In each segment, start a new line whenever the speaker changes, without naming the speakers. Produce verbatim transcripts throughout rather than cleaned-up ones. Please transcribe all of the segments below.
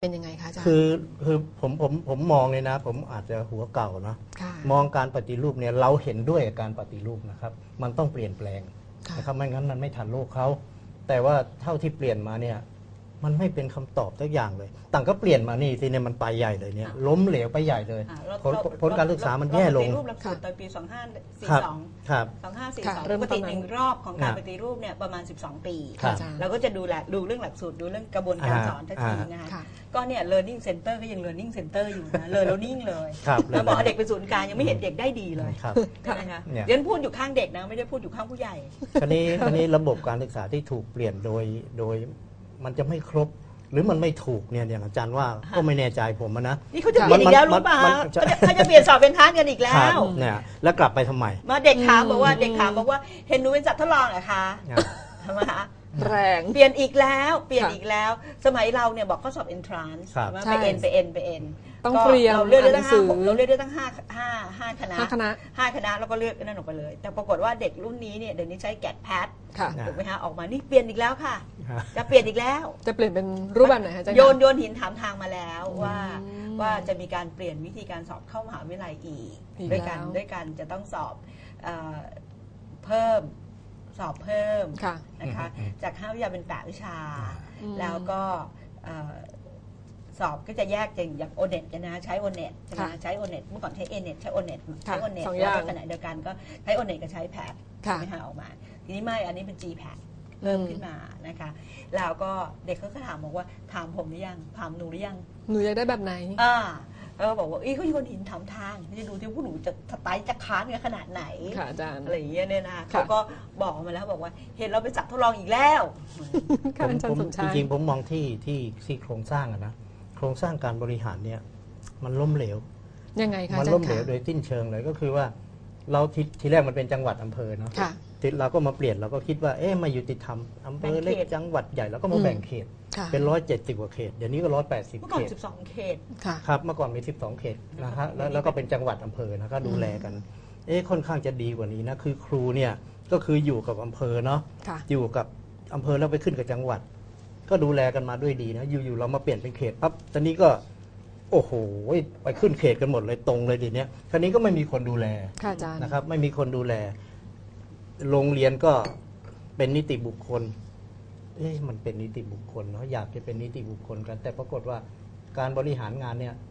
เป็นยังไงคะอาจารย์
คือคือผมผมผมมองเลยนะผมอาจจะหัวเก่าเนาะมองการปฏิรูปเนี่ยเราเห็นด้วยกับการปฏิรูปนะครับมันต้องเปลี่ยนแปลงนะครับไม่งั้นมันไม่ทันโลกเขาแต่ว่าเท่าที่เปลี่ยนมาเนี่ยมันไม่เป็นคำตอบสักอย่างเลยต่างก็เปลี่ยนมานี่ทีเนี่ยมันไปใหญ่เลยเนี่ยล้มเหลวไปใหญ่เลยผลผลการศึกษามันแย่ลง
ปฏิรูปหลักสูตรตอนปีสองพันห้าร้อยสี่สิบสอง สองพันห้าร้อยสี่สิบสองปกติหนึ่งรอบของการปฏิรูปเนี่ยประมาณสิบสองปีเราก็จะดูแลดูเรื่องหลักสูตรดูเรื่องกระบวนการสอนทักทีนะคะก็เนี่ย learning center ก็ยัง learning center อยู่นะ learning เลยแล้วบอกเด็กเป็นศูนย์กลางยังไม่เห็นเด็กได้ดีเลยใช่ไหมคะเดี๋ยวพูดอยู่ข้างเด็กนะไม่ได้พูดอยู่ข้างผู้ใหญ่
คราวนี้คราวนี้ระบบการศึกษาที่ถูกเปลี่ยนโดยโดยมันจะไม่ครบหรือมันไม่ถูกเนี่ยอย่างอาจารย์ว่าก็ไม่แน่ใจผมนะ
นี่เขาจะเปลี่ยนอีกแล้วรู้ป่ะเขาจะเปลี่ยนสอบเป็นทัศน์กันอีกแล้ว
เนี่ยแล้วกลับไปทำไม
มาเด็กถามบอกว่าเด็กถามบอกว่าเห็นหนูเป็นสัตว์ทดลองเหรอคะทำไมคะ
แรง
เปลี่ยนอีกแล้วเปลี่ยนอีกแล้วสมัยเราเนี่ยบอกข้อสอบ entrance ไปเอ็นไปเอ็นไปเอ็น
ต้องเตรียม
เราเลือกได้ตั้งห้าเราเลือกได้ตั้งห้าห้าห้าคณะ
ห้าคณะ
ห้าคณะแล้วก็เลือกนั่นออกไปเลยแต่ปรากฏว่าเด็กรุ่นนี้เนี่ยเดี๋ยวนี้ใช้แกดแพดถูกไหมคะออกมานี่เปลี่ยนอีกแล้วค่ะจะเปลี่ยนอีกแล้ว
จะเปลี่ยนเป็นรูปแบบไหนคะอาจารย์
โยนโยนหินถามทางมาแล้วว่าว่าจะมีการเปลี่ยนวิธีการสอบเข้ามหาวิทยาลัยอีกด้วยกันด้วยกันจะต้องสอบเพิ่มสอบเพิ่มนะคะจากห้าวิชาเป็นแปดวิชาแล้วก็สอบก็จะแยกอย่างโอเน็ตนะใช้โอเน็ตใช่ไหมใช้โอเน็ตเมื่อก่อนใช้เอเน็ตใช้โอเน็ตใช้โอเน็ตแล้วขณะเดียวกันก็ใช้โอเน็ตกับใช้แพดใช่ไหมคะออกมาทีนี้ไม่อันนี้เป็น จี แพด เพิ่มขึ้นมานะคะแล้วก็เด็กเขาก็ถามบอกว่าถามผมหรือยังถามหนูหรือยัง
หนูอยากได้แบบไหน
อ่าแล้วบอกว่าอีเขาโยนหินถามทางจะดูที่ผู้หนูจะไต่จะค้านกันขนาดไหน
ค่ะอาจารย์
อะไรอย่างเงี้ยเนี่ยนะเขาก็บอกมาแล้วบอกว่าเห็นเราไปจับทดลองอีกแล้ว
ผมจริงๆผมมองที่ที่ที่โครงสร้างอะนะโครงสร้างการบริหารเนี่ยมันล้มเหลว
ยังไงคะ
มันล้มเหลวโดยสิ้นเชิงเลยก็คือว่าเราทีทีแรกมันเป็นจังหวัดอำเภอเนาะเราก็มาเปลี่ยนเราก็คิดว่าเอ๊ะมายุติธรรมอำเภอเล็กจังหวัดใหญ่แล้วก็มาแบ่งเขตเป็นร้อยเจ็ดสิบกว่าเขตเดี๋ยวนี้ก็ร้อยแปดสิบเขตเมื่อก่อน
สิบสองเขต
ครับเมื่อก่อนมีสิบสองเขตนะฮะแล้วแล้วก็เป็นจังหวัดอำเภอนะก็ดูแลกันเอ๊ะค่อนข้างจะดีกว่านี้นะคือครูเนี่ยก็คืออยู่กับอำเภอเนาะอยู่กับอำเภอแล้วไปขึ้นกับจังหวัดก็ดูแลกันมาด้วยดีนะอยู่ๆเรามาเปลี่ยนเป็นเขตปั๊บตอนนี้ก็โอ้โหไปขึ้นเขตกันหมดเลยตรงเลยทีเนี้ยคราวนี้ก็ไม่มีคนดูแลนะครับไม่มีคนดูแลโรงเรียนก็เป็นนิติบุคคลเอ๊ะมันเป็นนิติบุคคลเนาะอยากจะเป็นนิติบุคคลกันแต่ปรากฏว่าการบริหารงานเนี่ย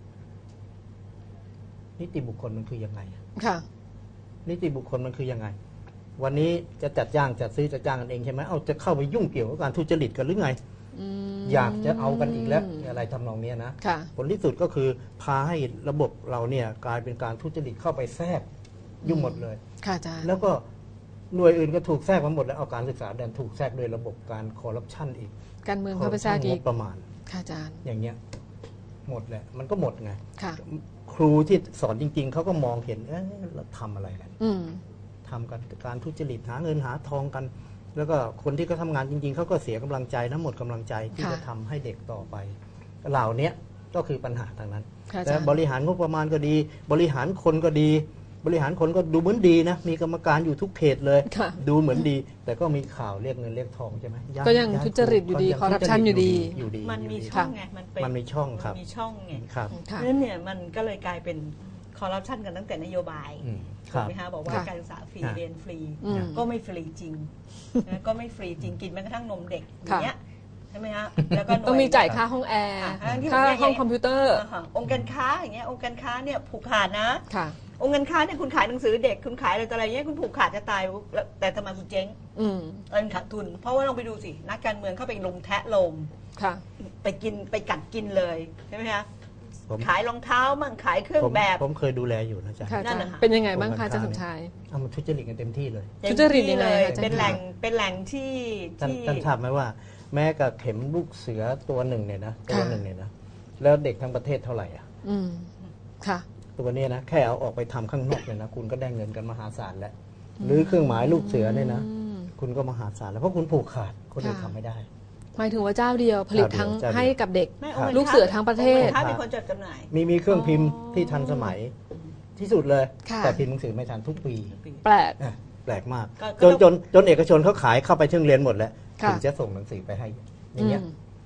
นิติบุคคลมันคือยังไง
ค่ะ
นิติบุคคลมันคือยังไงวันนี้จะจัดจ้างจัดซื้อจัดจ้างกันเองใช่ไหมเอาจะเข้าไปยุ่งเกี่ยวกับการทุจริตกันหรือไงอยากจะเอากันอีกแล้วอะไรทำนองนี้นะผลที่สุดก็คือพาให้ระบบเราเนี่ยกลายเป็นการทุจริตเข้าไปแทรกยุ่งหมดเลย
ค่ะอาจารย์
แล้วก็หน่วยอื่นก็ถูกแทรกมาหมดแล้วเอาการศึกษาดันถูกแทรกโดยระบบการคอร์รัปชันอีก
การเมืองเข้าไปแทรกอีก
ประมาณ
ค่ะอาจารย์
อย่างเงี้ยหมดแหละมันก็หมดไงครูที่สอนจริงๆเขาก็มองเห็นเอ๊ะเราทำอะไรกันทำกันการทุจริตหาเงินหาทองกันแล้วก็คนที่เขาทำงานจริงๆเขาก็เสียกำลังใจนะหมดกำลังใจที่จะทำให้เด็กต่อไปเหล่านี้ก็คือปัญหาทางนั้นแต่บริหารงบประมาณก็ดีบริหารคนก็ดีบริหารคนก็ดูเหมือนดีนะมีกรรมการอยู่ทุกเขตเลยดูเหมือนดีแต่ก็มีข่าวเรียกเงินเรียกทองใช่ไหม
ก็ยังทุจริตอยู่ดีคอร์รัปชันอยู่ดี
มันมีช่องไงมันเป็น
มันมีช่องครับ
มีช่องไง
ครับ
นั่นเนี่ยมันก็เลยกลายเป็นคอร์รัปชันกันตั้งแต่นโยบายถูกไหมคะบอกว่าการศึกษาฟรีเรียนฟรีก็ไม่ฟรีจริงก็ไม่ฟรีจริงกินแม้กระทั่งนมเด็กอย่างเงี้ยใช่ไหมฮะ
แล้วก็ต้องมีจ่ายค่าห้องแอร์ค่าห้องคอมพิวเตอร์
องค์การค้าอย่างเงี้ยองค์การค้าเนี่ยผูกขาดนะองค์การค้าเนี่ยคุณขายหนังสือเด็กคุณขายอะไรต่ออะไรเงี้ยคุณผูกขาดจะตายแต่ทำไมคุณเจ๊งเงินขาดทุนเพราะว่าลองไปดูสินักการเมืองเข้าไปลงแทะลมไปกินไปกัดกินเลยใช่ไหมคะขายรองเท้ามั่งขายเครื่องแบบ
ผมเคยดูแลอยู่นะจ๊ะ
นั่นนะคะเป็นยังไงบ้างคะอาจารย์สมชาย
เอามาทุจริตกันเต็มที่เลย
ทุจริตยังไง
เป็นแหล่งเป็นแหล่งที่
ท่านทราบไหมว่าแม้กับเข็มลูกเสือตัวหนึ่งเนี่ยนะตัวหนึ่งเนี่ยนะแล้วเด็กทั้งประเทศเท่าไหร่อ่ะ
อืมค่ะ
ตัวนี้นะแค่เอาออกไปทำข้างนอกเนี่ยนะคุณก็ได้เงินกันมหาศาลแล้วหรือเครื่องหมายลูกเสือเนี่ยนะคุณก็มหาศาลแล้วเพราะคุณผูกขาดคนอื่นทำไม่ได้
หมายถึงว่าเจ้าเดียวผลิตทั้งให้กับเด็กลูกเสือทั้งประเทศ
มีคนจัดจำหน่าย
มีมีเครื่องพิมพ์ที่ทันสมัยที่สุดเลยแต่พิมพ์หนังสือไม่ทันทุกปี
แปลก
แปลกมากจนจนจนเอกชนเขาขายเข้าไปถึงเรียนหมดแล้วถึงจะส่งหนังสือไปให้อย่างเงี้ย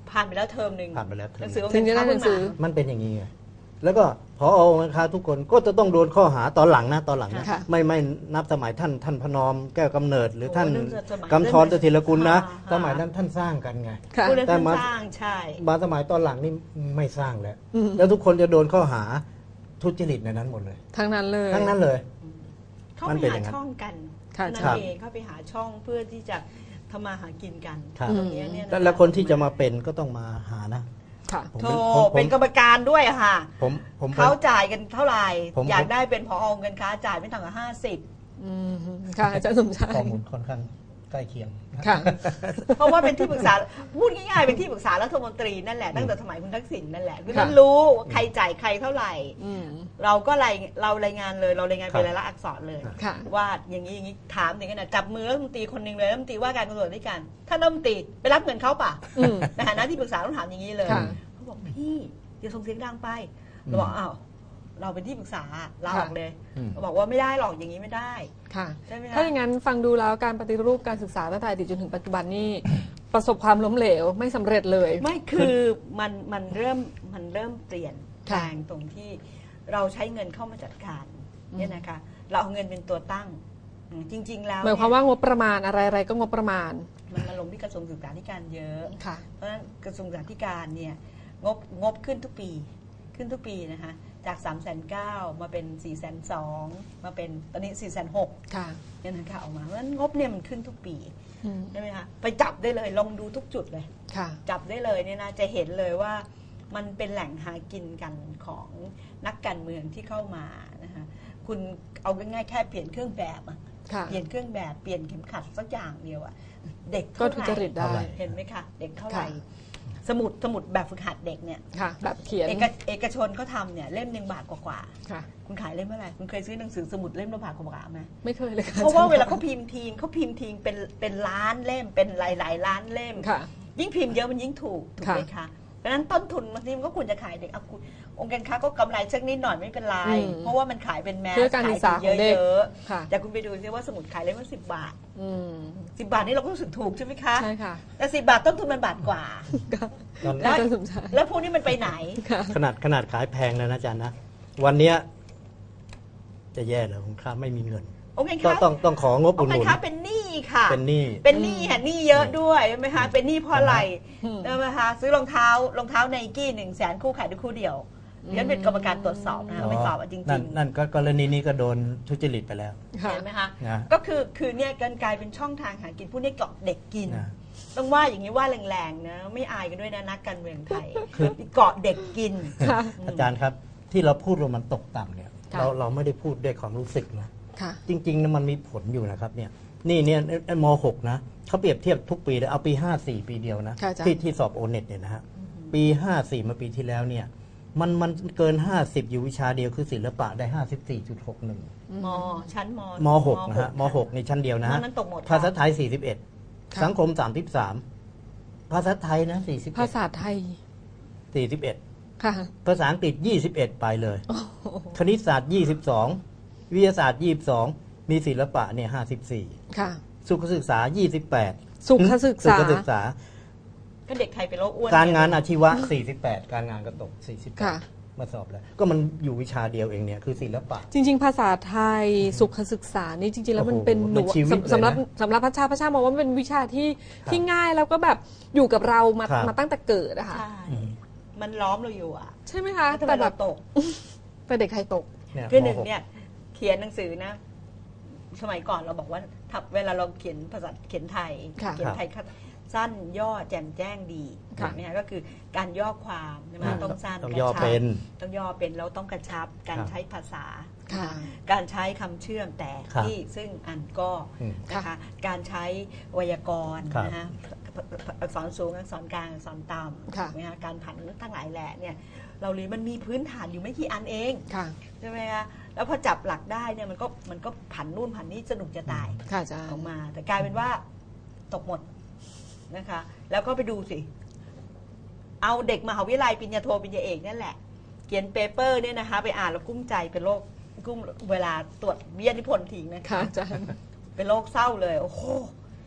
ผ่านไปแล้วเทอมหนึ่ง
ผ่านไปแล้วเทอม
หนังสือ
ถึงจะได้หนังสือ
มันเป็นอย่างนี้ไงแล้วก็พอนะคะทุกคนก็จะต้องโดนข้อหาตอนหลังนะตอนหลังนะ
ค่ะ
ไม่ไม่นับสมัยท่านท่านพนอมแก้วกำเนิด หรือท่าน
โอ้เรื่องสมัย
กำธรเสถียรกุลนะ
ค่ะ
สมัยนั้นท่านสร้างกันไง
ค่ะ
ผู้นั้น
แต่
ท่าน
มา
สร้างใช่
มาสมัยตอนหลังนี่ไม่สร้างแล้ว
อืม
แล้วทุกคนจะโดนข้อหาทุจริตในนั้นหมดเลย
ทั้งนั้นเลย
ทั้งนั้นเลย
เข้า
มัน
ไป
เป็นอ
หา
ย่างนั้น
ช่องกัน
ค่ะ
นั่น
ครับ
เองเข้าไปหาช่องเพื่อที่จะทำมาหากินกัน
ครับ
ตรงเนี้ยเนี่ย
แล้วแล้วคนที่จะมาเป็นก็ต้องมาหานะ
ค่ะ
ผม
โธ
เป็นผมผม
เป็นกรรมการด้วยอะค่ะ
ผมผมเป็น
เขาจ่ายกันเท่าไหร่
ผม
อยากได้เป็นผอเงินค้าจ่ายไม่ต่ำกว่าห้าสิบ
อืมค่ะอาจารย์สมชาย
ข้อมูลค่อนข้างใกล้เคียง
ค่ะ
เพราะว่าเป็นที่ปรึกษาพูดง่ายๆเป็นที่ปรึกษารัฐมนตรีนั่นแหละตั้งแต่สมัยคุณทักษิณนั่นแหละคือ
ค่ะ
นั้นรู้ว่าใครจ่ายใครเท่าไหร่
อืม
เราก็รายเรารายงานเลยเรารายงาน
ครั
เป็
บ
นรายลักษณ์อักษรเลย
ค่ะ
ว่าอย่างนี้อย่างนี้ถามถึงขนาดจับมือรัฐมนตรีคนหนึ่งเลยรัฐมนตรีว่าการกระทรวงด้วยกันท่านรัฐมนตรีไปรับเงินเขาป่ะ
อืม
ในฐานะที่ปรึกษาต้องถามอย่างนี้เลย
ค่ะ
เขาบอกพี่อย่าส่งเสียงดังไปเราบอกอ้าวเราเป็นที่ปรึกษาลาออกเลย
อืม
เราบอกว่าไม่ได้หรอกอย่างนี้ไม่ได้
ค่ะ
ใช่ไหมคะ
ถ้าอย่างนั้นฟังดูแล้วการปฏิรูปการศึกษาตั้งแต่อดีตจนถึงปัจจุบันนี่ ประสบความล้มเหลวไม่สำเร็จเลย
ไม่คือมันมันเริ่มมันเริ่มเปลี่ยนแปล
ค่ะ
งตรงที่เราใช้เงินเข้ามาจัดการเนี่ยนะคะเราเอาเงินเป็นตัวตั้งอืมจริง ๆ แล้ว
หมายความ
เนี่ย
ว่างบประมาณอะไรๆก็งบประมาณ
มันมาลงที่กระทรวงศึกษาธิการเยอะ
ค่ะ
เพราะฉะนั้นกระทรวงศึกษาธิการเนี่ยงบงบขึ้นทุกปีขึ้นทุกปีนะคะจาก3ามแสนเก้ามาเป็น4ี่แสนสองมาเป็นตอนนี้4ี่แสนหก
ค่ะ
เนี่ยนะคะออกมาเพราะฉะนั้นงบเนี่ยมันขึ้นทุกปี
อืม
ใช่ไหมคะไปจับได้เลยลองดูทุกจุดเลย
ค่ะ
จับได้เลยเนี่ยนะจะเห็นเลยว่ามันเป็นแหล่งหากินกันของนักการเมืองที่เข้ามานะคะคุณเอาง่ายๆแค่เปลี่ยนเครื่องแบบอะ
ค่ะ
เปลี่ยนเครื่องแบบเปลี่ยนเข็มขัดสักอย่างเดียวอะเด็ก
ก็
เท่า
ทุ
ไหร่
จริตได้
เห็นไหมคะเด็กเท่าไหร่
ค่ะ
สมุดสมุดแบบฝึกหัดเด็กเนี่ย
ค่ะ แบบเขียน
เอกเอกชนเขาทำเนี่ยเล่มหนึ่งบาทกว่า
ค่ะ
ๆคุณขายเล่มเท่าไหร่คุณเคยซื้อหนังสือสมุดเล่มละบาทกว่าๆไหม
ไม่เคยเลยค่ะ
เพราะว่าเวลาเขาพิมพ์ทีงเขาพิมพ์ทีงเป็นเป็นล้านเล่มเป็นหลายๆล้านเล่ม
ค่ะ
ยิ่งพิมพ์เยอะมันยิ่งถูกถูกไหมคะเพราะฉะนั้นต้นทุนบางทีมันก็ควรจะขายเด็กเอาคุณองค์การค้าก็กำไรสักนิดหน่อยไม่เป็นไร
อืม
เพราะว่ามันขายเป็นแมส
เพื่อการศึกษา
ขาย
ของเด็ก
เยอะ
ค่ะ
ๆแต่คุณไปดูซิว่าสมุดขายเล่มละสิบบาท
อืม
สิบบาทนี่เราก็รู้สึกถูกใช่ไหมคะ
ใช่ค่ะ
แต่สิบบาทต้นทุนมันบาทกว่า
ตอน
อาจารย์สมชาย
แล้วพวกนี้มันไปไหน
ค่ะ
ขนาดขนาดขายแพงนะนะอาจารย์นะวันเนี้ยจะแย่เลยคุณค้าไม่มีเงิน
องค์การ
ก็
ค้า
ต้องต้องของบ
อ
อุ
ง
ด
ค์
ห
การ
นุน
ค้าเป็นหนี้ค่ะ
เป็นหนี้
เป็นหนี้ค่ะหนี้เยอะด้วยใช่ไหมคะเป็นหนี้เพราะอะไร
อืม
ใช่ไหมคะซื้อรองเท้ารองเท้าไนกี้หนึ่งแสนคู่ขายด้วยคู่เดียวเรียนเป็นกรรมการตรวจสอบนะคะไม่สอบอะจริง
นั่น
ๆ
นั่นก็กรณีนี้ก็โดนทุจริตไปแล้ว
ค่ะ
เห็นไหมคะ
นะ
ก็คือคือเนี่ยการกลายเป็นช่องทางหากินผู้นี้เกาะเด็กกิน
นะ
ต้องว่าอย่างนี้ว่าแรงๆนะไม่อายกันด้วยนะนักการเมืองไทย
คือ
เกาะเด็กกิน
ค่ะ
อาจารย์ครับที่เราพูดว่ามันตกต่ำเนี่ย
ค่ะ
เราเราไม่ได้พูดด้วยความรู้สึกนะ
ค่ะ
จริงๆนะมันมีผลอยู่นะครับเนี่ยนี่เนี่ยม .หก นะเขาเปรียบเทียบทุกปีเลยเอาปีห้าสี่ปีเดียวนะ
ค่ะอาจารย์
ที่ที่สอบโอเน็ตเนี่ยนะฮะปีห้าสี่มาปีที่แล้วเนี่ยมันมันเกินห้าสิบอยู่วิชาเดียวคือศิลปะได้ห้าสิบสี่จุดหกหนึ่ง
มชั้นม
ม .หก นะฮะม .หก ในชั้นเดียวนะ
นอ
ฮะ
กนั้นตกหมด
ภาษาไทยสี่สิบเอ็ด
ค่ะ
สังคมสามสิบสามภาษาไทยนะสี่สิบ
ภาษาไทย
สี่สิบเอ็ด
ค่ะ
ภาษาอังกฤษยี่สิบเอ็ดไปเลย คณิตศาสตร์ยี่สิบสองวิทยาศาสตร์ยี่สิบสองมีศิลปะเนี่ยห้าสิบสี่
ค่ะ
สุขศึกษายี่สิบแปด
สุขศึกษา
สุขศึกษา
ก็เด็กไทยเป็นโรคอ้วน
การงานอาชีวะสี่สิบแปดการงานก็ตกสี่สิบแปด
ค่ะ
มาสอบแล้ว ก็มันอยู่วิชาเดียวเองเนี่ยคือศิลปะ
จริง ๆ ภาษาไทยสุขศึกษานี่จริง ๆ แล้วมัน
โอ้โห
เป็นหนู
มันชีวิต
สำสำหรับ
เลยนะ
สำหรับพระชาพระชามองว่ามันเป็นวิชาที่
ครับ
ที่ง่ายแล้วก็แบบอยู่กับเรามา
ครับ
มาตั้งแต่เกิดอะค่ะ
ใช่มันล้อมเราอยู่อ่ะ
ใช่ไหมคะ
แล้วทำไม
แต่แบ
เรา
บ
ตก
แต่เด็กไทยตก
เนี่ย
คือหนึ่ง
ม
เนี่ยเขียนหนังสือนะ สมัยก่อนเราบอกว่าถ้าเวลาเราเขียนภาษาเขียนไทย
ค่ะ
เขียนไทยสั้นย่อแจ่มแจ้งดี
ค่ะ
เนี่ยก็คือการย่อความใช่ไหม
อ่า
ต้องสั้น
ต้อง
กระ
ย่อ
ชับ
เป็น
ต้องย่อเป็นแล้วต้องกระชับ การ
ครับ
ใช้ภาษา
ค่ะ
การใช้คำเชื่อมแต่
ครับ
ที่ซึ่งอันก็
อืม
นะคะการใช้ไวยากรณ์
ครับ
นะคะอักษรสูงอักษรกลางอักษรต่ำ
ค่ะ
ถูกไหมคะการผันทั้งหลายแหล่เนี่ยเราเรียนมันมีพื้นฐานอยู่ไม่กี่อันเอง
ค่ะ
ใช่ไหมคะแล้วพอจับหลักได้เนี่ยมันก็มันก็ผันนู่นผันนี่สนุกจะตาย
ค่ะอาจาร
ออก
ย์
มา แต่กลายเป็นว่าตกหมดนะคะ แล้วก็ไปดูสิ เอาเด็กมหาวิทยาลัยปริญญาโทปริญญาเอกนั่นแหละ เขียนเปเปอร์เนี่ยนะคะ ไปอ่านแล้วกุ้มใจเป็นโรคกุ้มเวลาตรวจวิทยานิพนธ์ทิ้งนะ
ค่ะ
คะ
อาจารย์
เป็นโรคเศร้าเลย โอ้โห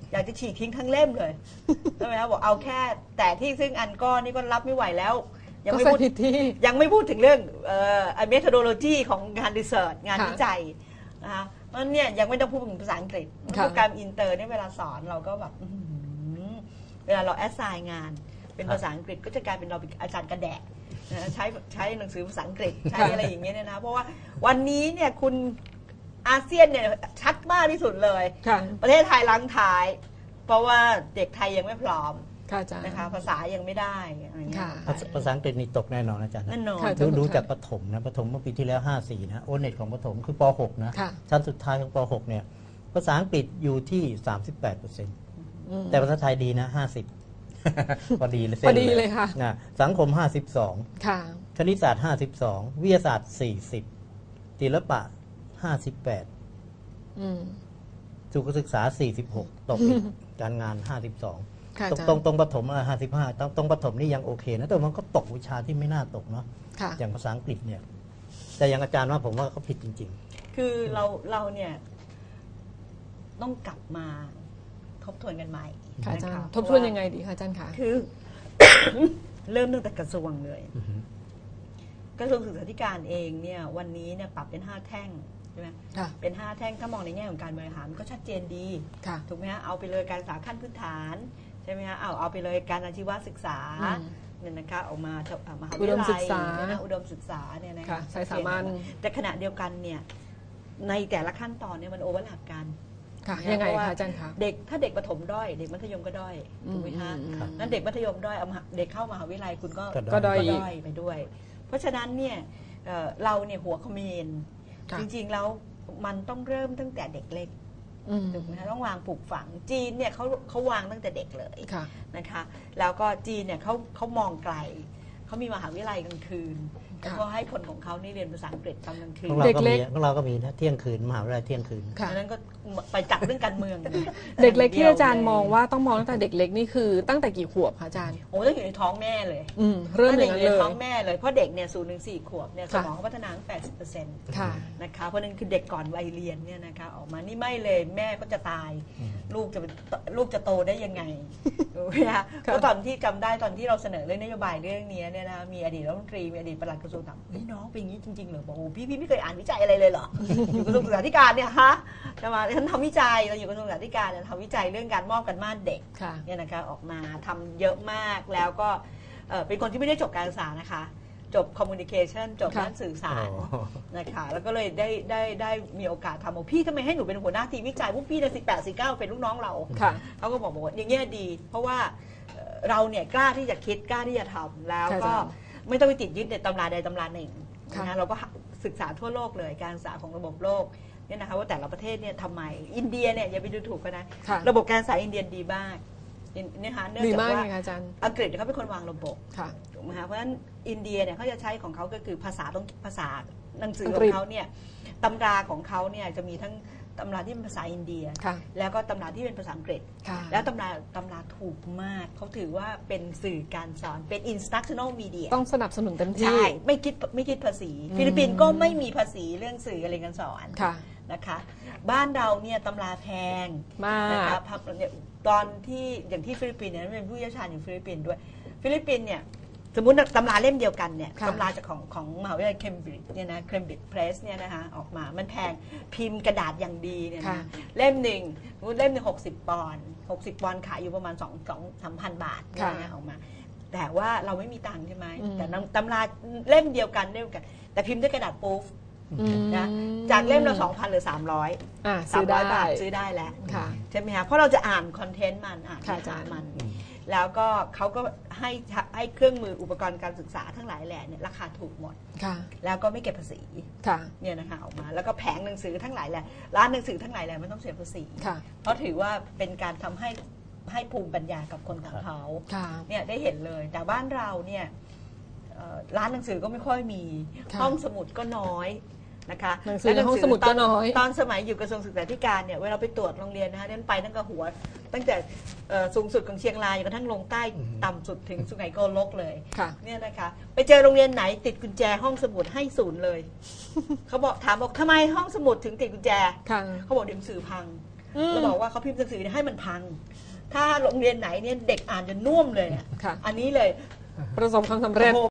อยากจะฉีกทิ้งทั้งเล่มเลยใช่ไหมครับบอกเอาแค่แต่ที่ซึ่งอันก้อนนี่ก็รับไม่ไหวแล้วยังไม่พูดยังไม่พูดถึงเรื่องเอ่อ methodology ของงานรีเสิร์ชงานวิจัยนะคะเพราะเนี่ยยังไม่ต้องพูดถึงภาษาอังกฤษโปรแกรมอินเตอร์เนี่ยเวลาสอนเราก็แบบเวลาเราแอสไซน์งานเป็นภาษาอังกฤษก็จะกลายเป็นเราเป็นอาจารย์กระแดะใช้ใช้หนังสือภาษาอังกฤษใช้อะไรอย่างเงี้ยเนี่ยนะเพราะว่าวันนี้เนี่ยคุณอาเซียนเนี่ยชัดมากที่สุดเลยประเทศไทยล้างท้ายเพราะว่าเด็กไทยยังไม่พร้อมนะคะภาษายังไม่ได้อะไรเงี้ย
ภาษาอังกฤษนี่ตกแน่นอนอาจารย์
แน่นอน
ดูดูจากประถมนะประถมเมื่อปีที่แล้วห้าสี่นะโอเน็ตของประถมคือป หกนะชั้นสุดท้ายของป หกเนี่ยภาษาอังกฤษอยู่ที่ สามสิบแปดเปอร์เซ็นต์ แต่ภาษาไทยดีนะห้าสิบพอดีเลย
พอดีเลยค่ะ
นะสังคมห้าสิบสอง
ค่ะ
คณิตศาสตร์ห้าสิบสองวิทยาศาสตร์สี่สิบศิลปะห้าสิบแปดสุขศึกษาสี่สิบหกตกการงานห้าสิบสองตรงตรงตรงปฐมห้าสิบห้าตรงตรงปฐมนี่ยังโอเคนะแต่มันก็ตกวิชาที่ไม่น่าตกเนาะอย่างภาษาอังกฤษเนี่ยแต่อย่างอาจารย์ว่าผมว่าเขาผิดจริง
ๆคือเราเราเนี่ยต้องกลับมาทบทวนกันใหม่
ค่ะอาจารย์ทบทวนยังไงดีคะอาจารย์คะ
คือ เริ่มตั้งแต่กระทรวงเลยกระทรวงศึกษาธิการเองเนี่ยวันนี้เนี่ยปรับเป็นห้าแท่งใช่ไหมเป็นห้าแท่งถ้ามองในแง่ของการบริหารก็ชัดเจนดีถูกไหมฮะเอาไปเลยการศึกษาขั้นพื้นฐานใช่ไหมฮะเอาเอาไปเลยการอาชีวศึกษาเนี่ยนะคะออกมามหาวิทยาลัยอุดมศึกษาเนี่ยนะคะ
ใช้สามัญ
แต่ขณะเดียวกันเนี่ยในแต่ละขั้นตอนเนี่ยมันโอเวอร์ลัปกัน
ยังไงคะอาจารย์คะ
เด็กถ้าเด็กประถมด้อยเด็กมัธยมก็ด้อยถูกไหมคะนั้นเด็กมัธยมด้อยเอาเด็กเข้ามหาวิทยาลัยคุณก็
ก็ด้อย
ไปด้วยเพราะฉะนั้นเนี่ยเราเนี่ยหัวขมีนจริงๆแล้วมันต้องเริ่มตั้งแต่เด็กเล็กถูกไหมคะต้องวางปลูกฝังจีนเนี่ยเขาเขาวางตั้งแต่เด็กเลยนะคะแล้วก็จีนเนี่ยเขาเขามองไกลเขามีมหาวิทยาลัยกลางคืนแล้วก็ให้คนของเขานี่เรียนภาษาอังกฤษตอนกลางคืน
เด็กเล็กของเราก็มีนะเที่ยงคืนมหาวิทยาลัยเที่ยงคืน
นั้นก็ไปจับเรื่องการเมือง
เด็กเล็กที่อาจารย์มองว่าต้องมองตั้งแต่เด็กเล็กนี่คือตั้งแต่กี่ขวบคะอาจารย์
โอ้ต้องอยู่ในท้องแม่เลย
เริ่มอย่างนั้นเลย
ท้องแม่เลยเพราะเด็กเนี่ยศูนย์ถึงสี่ขวบเนี่ยสมองเขาพัฒนาตั้งแปดสิบเปอร์เซ็นต์นะคะเพราะนั้นคือเด็กก่อนวัยเรียนเนี่ยนะคะออกมานี่ไม่เลยแม่ก็จะตายลูกจะลูกจะโตได้ยังไงนะคะเพราะตอนที่จำได้ตอนที่เราเสนอเรื่องนโยบายเรื่องนี้เนี่ยนะมีอดีตรัฐมนตรีมีอดีตปลัดกระทรวงถามเฮ้ยน้องเป็นอย่างนี้จริงๆเหรอบอกโอ้พี่พี่ไม่เคยอ่านวิจัยอะไรเลยเหรออยู่กระทรวงศึกษาธิการเนี่ยฮะใช่ไหมฉันทำวิจัยเราอยู่กระทรวงศึกษาธิการเนี่ยทำวิจัยเรื่องการมอบกันม่านเด็กเนี่ยนะคะออกมาทำเยอะมากแล้วก็เป็นคนที่ไม่ได้จบการศึกษานะคะจบคอมมูนิเคชันจบด้านสื่อสารนะคะแล้วก็เลยได้ได้ได้มีโอกาสทำบอกพี่ทำไมให้หนูเป็นหัวหน้าทีมวิจัยพวกพี่เนี่ยสิบแปดสิบเก้าเป็นลูกน้องเราเขาก็บอกว่าอย่างเงี้ยดีเพราะว่าเราเนี่ยกล้าที่จะคิดกล้าที่จะทำแล้วก็ไม่ต้องไปติดยึดในตำราใดตำราหนึ่งนะเราก็ศึกษาทั่วโลกเลยการศึกษาของระบบโลกเนี่ยนะคะว่าแต่ละประเทศเนี่ยทำไมอินเดียเนี่ยอย่าไปดูถูกกันนะระบบการศึกษาอินเดียดีมากเนี่ยค่ะเนื่องจากว่าอังกฤษเขาเป็นคนวางระบบถูกไหมคะเพราะฉะนั้นอินเดียเนี่ยเขาจะใช้ของเขาก็คือภาษาต้องภาษาหนังสือของเขาเนี่ยตำราของเขาเนี่ยจะมีทั้งตำราที่เป็นภาษาอินเดียแล้วก็ตำราที่เป็นภาษาอังกฤษแล้วตำราตำราถูกมากเขาถือว่าเป็นสื่อการสอนเป็น instructional media
ต้องสนับสนุนเต็มที่
ใช่ไม่คิดไม่คิดภาษีฟิลิปปินส์ก็ไม่มีภาษีเรื่องสื่อการเรียนการสอนนะคะบ้านเราเนี่ยตำราแพง
มาก
นะคะตอนที่อย่างที่ฟิลิปปินส์เนี่ยเป็นผู้เชี่ยวชาญอยู่ฟิลิปปินส์ด้วยฟิลิปปินส์เนี่ยสมมุติตำราเล่มเดียวกันเนี่ยตำราจากของของมหาวิทยาลัยเคมบริดจ์เนี่ยนะเคมบริดจ์เพรสเนี่ยนะคะออกมามันแพงพิมพ์กระดาษอย่างดีเนี่ยนะเล่มหนึ่งเล่มหนึ่งหกสิบปอนด์หกสิบปอนด์ขายอยู่ประมาณสองสองสามพันบาทเนี่ยออกมาแต่ว่าเราไม่มีตังค์ใช่ไหมแต่ตำราเล่มเดียวกันเล่มกันแต่พิมพ์ด้วยกระดาษปูฟนะจากเล่มเราสองพันหรือสามร้อยสามร้อยบาทซื้อได้แล้วใช่ไหมคะเพราะเราจะอ่านคอนเทนต์มันอ่านอ่านมันแล้วก็เขาก็ให้ให้เครื่องมืออุปกรณ์การศึกษาทั้งหลายแหล่เนี่ยราคาถูกหมดแล้วก็ไม่เก็บภาษีเนี่ยนะคะออกมาแล้วก็แผงหนังสือทั้งหลายแหล่ร้านหนังสือทั้งหลายแหล่ไม่ต้องเสียภาษีเพราะถือว่าเป็นการทำให้ให้ภูมิปัญญากับคนของเขาเนี่ยได้เห็นเลยแต่บ้านเราเนี่ยร้านหนังสือก็ไม่ค่อยมีห้องสมุดก็น้อยนะคะ
หนังสือในห้องสมุดก็น้อย
ตอนสมัยอยู่กระทรวงศึกษาธิการเนี่ยเวลาไปตรวจโรงเรียนนะคะนั่นไปตั้งแต่หัวตั้งแต่สูงสุดของเชียงรายจนกระทั่งลงใต้ต่ำสุดถึงสุไหงโกลกเลยเนี่ยนะคะไปเจอโรงเรียนไหนติดกุญแจห้องสมุดให้ศูนย์เลยเขาบอกถามบอกทำไมห้องสมุดถึงติดกุญแจเขาบอกหนังสือพังเราบอกว่าเขาพิมพ์หนังสือเนี่ยให้มันพัง ถ้าโรงเรียนไหนเนี่ยเด็กอ่านจนน่วมเลยเนี่ย
ค่ะ
อันนี้เลย
ประสบความสำเร็จ